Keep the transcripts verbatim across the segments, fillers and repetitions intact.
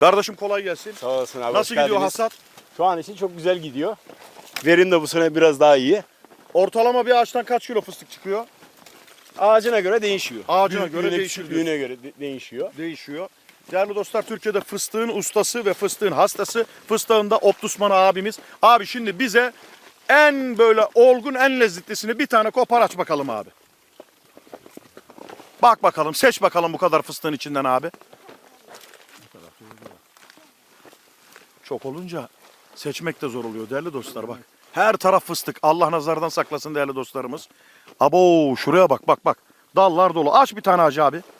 Kardeşim kolay gelsin. Sağ olasın abi. Nasıl gidiyor hasat? Şu an için çok güzel gidiyor. Verim de bu sene biraz daha iyi. Ortalama bir ağaçtan kaç kilo fıstık çıkıyor? Ağacına göre değişiyor. Ağacına Büyüklüğüne, göre değişiyor küçüklüğüne göre de- değişiyor. Değişiyor. Değerli dostlar, Türkiye'de fıstığın ustası ve fıstığın hastası, fıstığında Optusman abimiz. Abi şimdi bize en böyle olgun, en lezzetlisini bir tane kopar aç bakalım abi. Bak bakalım, seç bakalım bu kadar fıstığın içinden abi. Çok olunca seçmek de zor oluyor değerli dostlar bak. Her taraf fıstık. Allah nazardan saklasın değerli dostlarımız. Abo şuraya bak bak bak. Dallar dolu. Aç bir tane acı abi.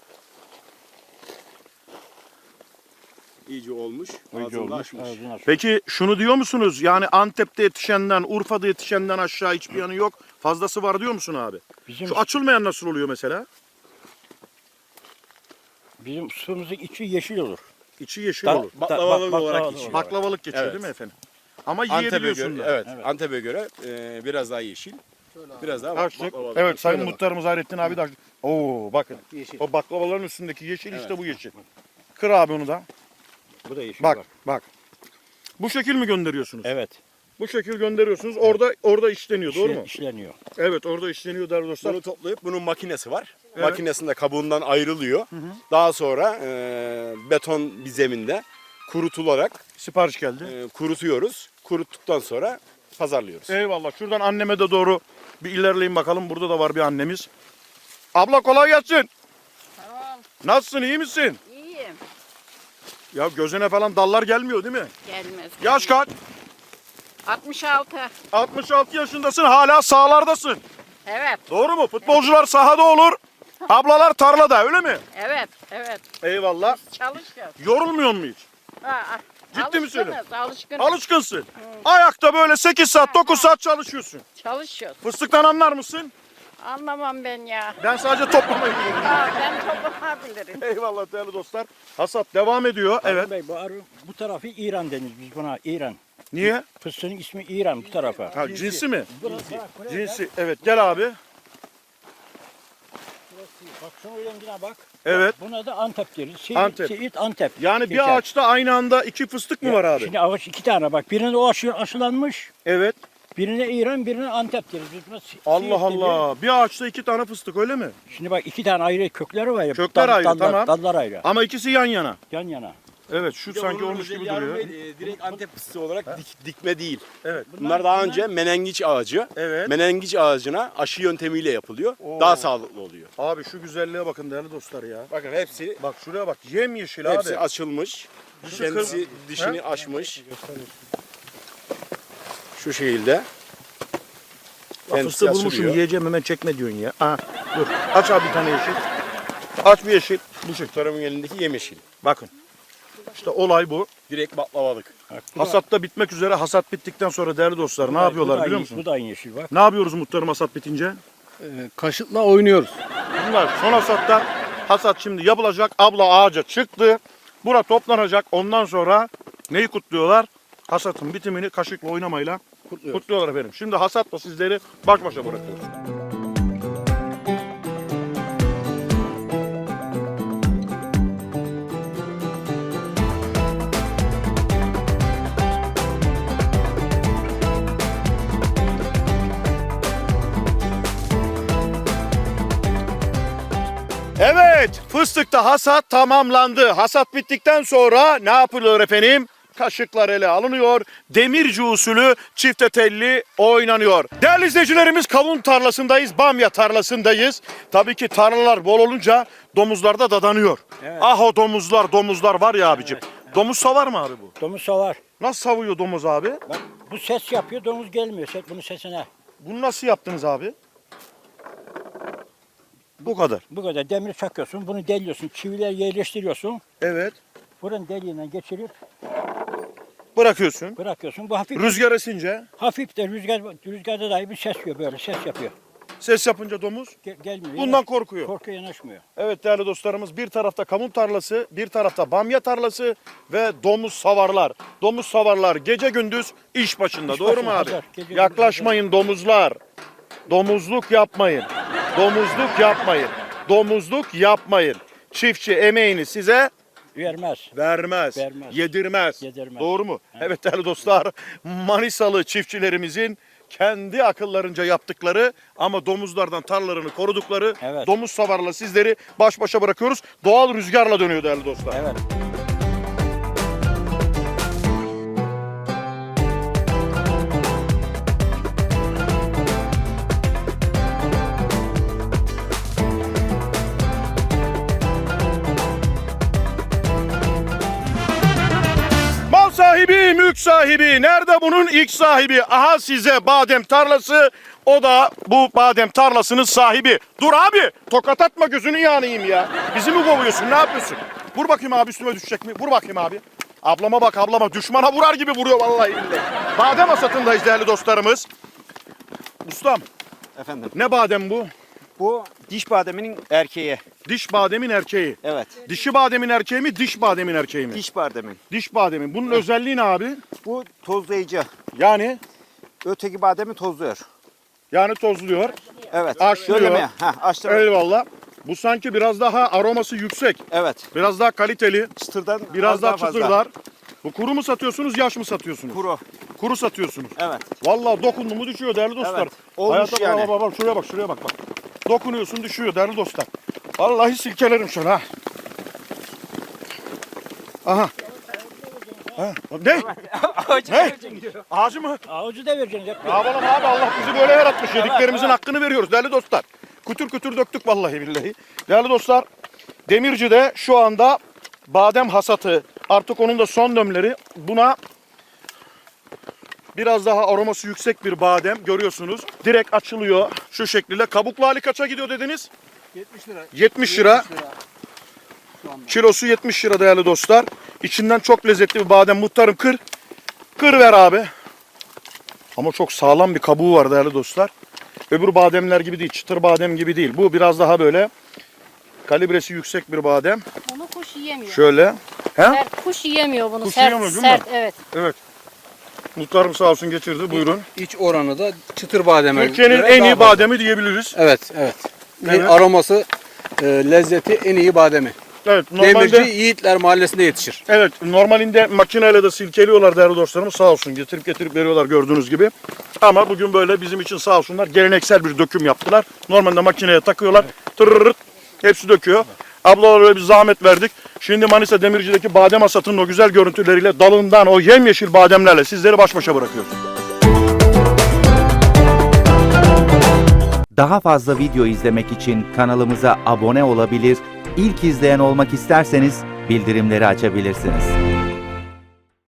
İyice olmuş. İyice Ağzını olmuş. açmış. Peki şunu diyor musunuz? Yani Antep'te yetişenden, Urfa'da yetişenden aşağı hiçbir yanı yok. Fazlası var diyor musun abi? Bizim, Şu açılmayan nasıl oluyor mesela? bizim suyumuzun içi yeşil olur. İçi yeşil Da- olur. Baklavalık bak- olarak baklava- geçiyor. Baklavalık geçiyor Evet. değil mi efendim? Ama Antep'e yiyebiliyorsun göre, da. evet, Evet. Antep'e göre e, biraz daha yeşil. Biraz daha Açtık. baklavalık. Evet Sayın Şöyle bak. Muhtarımız Hayrettin abi de açtı. Oo bakın. Yeşil. O baklavaların üstündeki yeşil Evet. işte bu yeşil. Kır abi onu da. Bu da yeşil Bak var. bak. Bu şekil mi gönderiyorsunuz? Evet. Bu şekil gönderiyorsunuz. Orada orada işleniyor doğru işle- mu? işleniyor. Evet orada işleniyor değerli dostlar. Bunu toplayıp bunun makinesi var. Evet. Makinesinde kabuğundan ayrılıyor. Daha sonra e, beton bir zeminde kurutularak Sipariş geldi. e, kurutuyoruz. Kuruttuktan sonra pazarlıyoruz. Eyvallah. Şuradan anneme de doğru bir ilerleyin bakalım. Burada da var bir annemiz. Abla kolay gelsin. Tamam, Nasılsın? İyi misin? iyiyim. Ya gözüne falan dallar gelmiyor değil mi? Gelmez. Yaş kaç? altmış altı. altmış altı yaşındasın. Hala sahalardasın. Evet, Doğru mu? Futbolcular sahada olur. Ablalar tarlada öyle mi? evet, evet. Eyvallah. Çalışıyoruz. Yorulmuyor mu hiç? Ha, ha. Ciddi mi söylüyorsun? Alışkınız, alışkınız. Alışkınsın. Ayakta böyle sekiz saat dokuz saat çalışıyorsun. Çalışıyoruz. Fıstıktan anlar mısın? Anlamam ben ya. Ben sadece toplamayı biliyorum. Ha, ben toplamayabilirim. Eyvallah değerli dostlar. Hasat devam ediyor. Evet. Bey, bu, arı- bu tarafı İran deniz biz buna İran. Niye? Fıstığın ismi İran bu tarafa. Ha, cinsi mi? Burası, bak, buraya Cinsi. Evet gel abi. Bak, bak şunun rengine bak. Evet. Buna da Antep deriz. Siirt, Antep. Siirt, Antep. Yani geçer. bir ağaçta aynı anda iki fıstık mı var abi? Şimdi ağaç iki tane bak. Birine o aşı, aşılanmış. Evet. Birine İran, birine Antep deriz. Biz buna Si- Allah Siirt deniyor. Allah. Bir ağaçta iki tane fıstık öyle mi? Şimdi bak iki tane ayrı kökleri var ya. Kökler ayrı, dallar, tamam. Dallar ayrı. Ama ikisi yan yana. Yan yana. Evet şu sanki Bunun olmuş gibi özelliği Harun duruyor. Bey, e, direkt Antep fıstığı olarak dik- dikme değil. Evet. Bunlar daha önce menengiç ağacı. Evet. Menengiç ağacına aşı yöntemiyle yapılıyor. Oo. Daha sağlıklı oluyor. Abi şu güzelliğe bakın değerli dostlar ya. Bakın hepsi Bak şuraya bak yemyeşil hepsi abi. açılmış. Dışı Kendisi kır- dişini açmış. Şu şekilde. Bak Kendisi fıstığı bulmuşum açılıyor. yiyeceğim hemen çekme diyorsun ya. Ha, dur. Aç abi bir tane yeşil. Aç bir yeşil. Bu şekilde. Muhtarımın elindeki yemyeşil. Bakın. İşte olay bu. Direkt baklavalık. Hasat da bitmek üzere. Hasat bittikten sonra değerli dostlar ne Bu da- bu yapıyorlar da biliyor aynı- musun? Bu da aynı yeşil bak. Ne yapıyoruz muhtarım hasat bitince? Kaşıkla oynuyoruz. Bunlar son hasatta. Hasat şimdi yapılacak. Abla ağaca çıktı. Bura toplanacak. Ondan sonra neyi kutluyorlar? Hasatın bitimini kaşıkla oynamayla kutluyorlar efendim. Şimdi hasatla sizleri baş başa bırakıyoruz. Evet, fıstıkta hasat tamamlandı. Hasat bittikten sonra ne yapılıyor efendim? Kaşıklar ele alınıyor. Demirci usulü çifte telli oynanıyor. Değerli izleyicilerimiz kavun tarlasındayız, bamya tarlasındayız. Tabii ki tarlalar bol olunca domuzlar da dadanıyor. Evet. Ah o domuzlar, domuzlar var ya abicim. Domuz savar mı abi bu? Domuz savar. Nasıl savuyor domuz abi? Bak bu ses yapıyor, domuz gelmiyor. Ses, bunun sesine. Bunu nasıl yaptınız abi? Bu kadar. Bu kadar demir çakıyorsun, bunu deliyorsun, çiviler yerleştiriyorsun. Evet. Buranın deliğinden geçirip Bırakıyorsun. bırakıyorsun. Bu hafif Rüzgar esince hafif de rüzgar rüzgarda dahi bir ses yapıyor böyle, ses yapıyor. ses yapınca domuz Gel, gelmiyor. bundan yanaş- korkuyor. Korkuyor, yanaşmıyor. Evet değerli dostlarımız bir tarafta kavun tarlası, bir tarafta bamya tarlası ve domuz savarlar. Domuz savarlar gece gündüz iş başında İş doğru mu başında, abi? hazır. Gece gündüz Yaklaşmayın domuzlar. Domuzluk yapmayın. Domuzluk yapmayın. Domuzluk yapmayın. Çiftçi emeğini size Vermez. Vermez, Vermez. yedirmez. Yedirmez. Doğru mu? Evet değerli dostlar, Manisalı çiftçilerimizin kendi akıllarınca yaptıkları ama domuzlardan tarlalarını korudukları Evet. domuz savarla sizleri baş başa bırakıyoruz. Doğal rüzgarla dönüyor değerli dostlar. Evet. Mal sahibi, mülk sahibi. Nerede bunun ilk sahibi? Aha size badem tarlası. O da bu badem tarlasının sahibi. Dur abi, tokat atma, gözünü yanayım ya. Bizi mi kovuyorsun, ne yapıyorsun? Vur bakayım abi, üstüme düşecek mi? Vur bakayım abi. Ablama bak, ablama. Düşmana vurar gibi vuruyor vallahi billahi. Badem hasatındayız değerli dostlarımız. Ustam, Efendim, ne badem bu? bu diş bademinin erkeği. Diş bademin erkeği. Evet. Dişi bademin erkeği mi, diş bademin erkeği mi? Diş bademin. Diş bademin. Bunun özelliği ne abi? Bu tozlayıcı. Yani Öteki bademi tozluyor. yani tozluyor. Evet. Aşlıyor. Şöyle mi? Ha, açtım. Eyvallah. Bu sanki biraz daha aroması yüksek. Evet. Biraz daha kaliteli. Çıtırdan Biraz az daha fazla. çıtırlar. Bu kuru mu satıyorsunuz, yaş mı satıyorsunuz? Kuru. Kuru satıyorsunuz. Evet. Vallahi dokundu mu düşüyor değerli dostlar. Evet, olmuş Hayata yani. bak, bak, bak, şuraya bak, şuraya bak bak. Dokunuyorsun düşüyor değerli dostlar. Vallahi silkelerim şunu ha. Aha. Ha. Ne? Ne? Ağacı mı? Avucu da vereceksin. Hep. Ne yapalım abi, Allah bizi böyle yaratmış. Yediklerimizin hakkını veriyoruz değerli dostlar. Kütür kütür döktük vallahi billahi. Değerli dostlar, Demirci'de şu anda badem hasatı, artık onun da son dönemleri. Buna biraz daha aroması yüksek bir badem görüyorsunuz. Direkt açılıyor şu şekilde. Kabuklu hali kaça gidiyor dediniz? yetmiş lira. yetmiş lira. Kilosu yetmiş lira değerli dostlar. İçinden çok lezzetli bir badem. Muhtarım kır. Kır ver abi. Ama çok sağlam bir kabuğu var değerli dostlar. Öbür bademler gibi değil. Çıtır badem gibi değil. Bu biraz daha böyle kalibresi yüksek bir badem. Onu kuş yiyemiyor. Şöyle. He? Sert, kuş yiyemiyor bunu. Kuş sert, yiyemiyor değil mi? sert, evet. Evet. Muhtarım sağ olsun getirdi. Buyurun. İç oranı da çıtır bademe. Türkiye'nin göre en daha iyi fazla. bademi diyebiliriz. Evet, evet. Evet. Aroması, e, lezzeti en iyi bademi. Evet. Normalde Demirci Yiğitler Mahallesi'nde yetişir. Evet, normalinde makineyle de silkeliyorlar değerli dostlarımız, sağ olsun getirip getirip veriyorlar gördüğünüz gibi. Ama bugün böyle bizim için sağ olsunlar geleneksel bir döküm yaptılar. Normalde makineye takıyorlar, tırırırt hepsi döküyor. Ablalara böyle bir zahmet verdik. Şimdi Manisa Demirci'deki badem hasatının o güzel görüntüleriyle, dalından o yemyeşil bademlerle sizleri baş başa bırakıyoruz. Daha fazla video izlemek için kanalımıza abone olabilir, ilk izleyen olmak isterseniz bildirimleri açabilirsiniz.